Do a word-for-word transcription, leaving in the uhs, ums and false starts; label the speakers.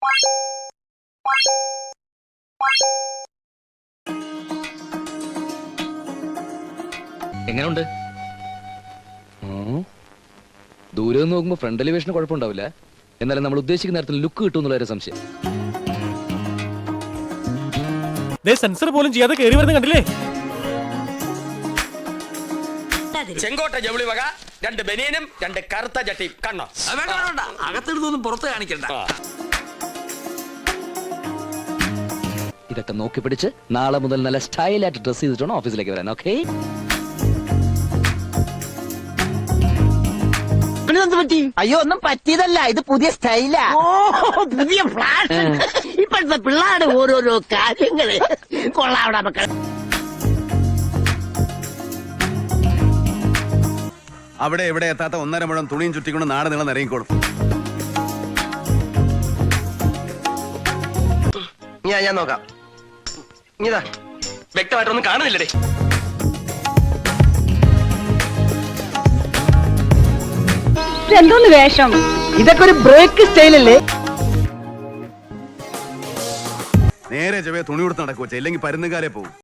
Speaker 1: എങ്ങനെയുണ്ട്? ദൂരെ നിന്ന് നോക്കുമ്പോ ഫ്രണ്ട് എലിവേഷന് കുഴപ്പമുണ്ടാവില്ല. എന്നാലും നമ്മൾ ഉദ്ദേശിക്കുന്ന നേരത്തിൽ ലുക്ക് കിട്ടും എന്നുള്ള ഒരു സംശയം.
Speaker 2: സെൻസർ പോലും ചെയ്യാതെ കയറി വരുന്ന കണ്ടില്ലേ?
Speaker 3: ചെങ്കോട്ട ജൗളി വക രണ്ട് ബനിയനും രണ്ട് കറുത്ത ചട്ടിയും കണ്ണോ.
Speaker 4: അകത്തെടുത്തൊന്നും പുറത്ത് കാണിക്കണ്ട.
Speaker 1: ഇതൊക്കെ നോക്കി പിടിച്ച് നാളെ മുതൽ നല്ല സ്റ്റൈലായിട്ട് ഡ്രസ് ചെയ്തിട്ടാണ് ഓഫീസിലേക്ക് വരാൻ. ഓക്കെ?
Speaker 5: അയ്യോ ഒന്നും പറ്റിയതല്ല, ഇത് പുതിയ സ്റ്റൈലാ. ഓ പുതിയ ഫ്ലാഷ്. ഇപ്പോഴത്തെ പിള്ളേരുടെ ഓരോരോ കാര്യങ്ങള് കൊള്ളാവിടെ മക്കൾ.
Speaker 6: അവിടെ എവിടെ എത്താത്ത ഒന്നര മുഴം തുണിയും ചുറ്റിക്കൊണ്ട് നാട് നീളം നിറങ്ങിക്കോളും.
Speaker 3: ഞാൻ ഞാൻ നോക്കാം. ഇതാ വ്യക്തമായിട്ടൊന്നും കാണുന്നില്ലേ?
Speaker 7: എന്തോന്ന് വേഷം?
Speaker 5: ഇതൊക്കെ ഒരു ബ്രേക്ക് സ്റ്റൈലല്ലേ?
Speaker 6: നേരെ ചെവേ തുണി കൊടുത്ത് നടക്കുവച്ച, ഇല്ലെങ്കിൽ പരുന്നുകാരെ പോകും.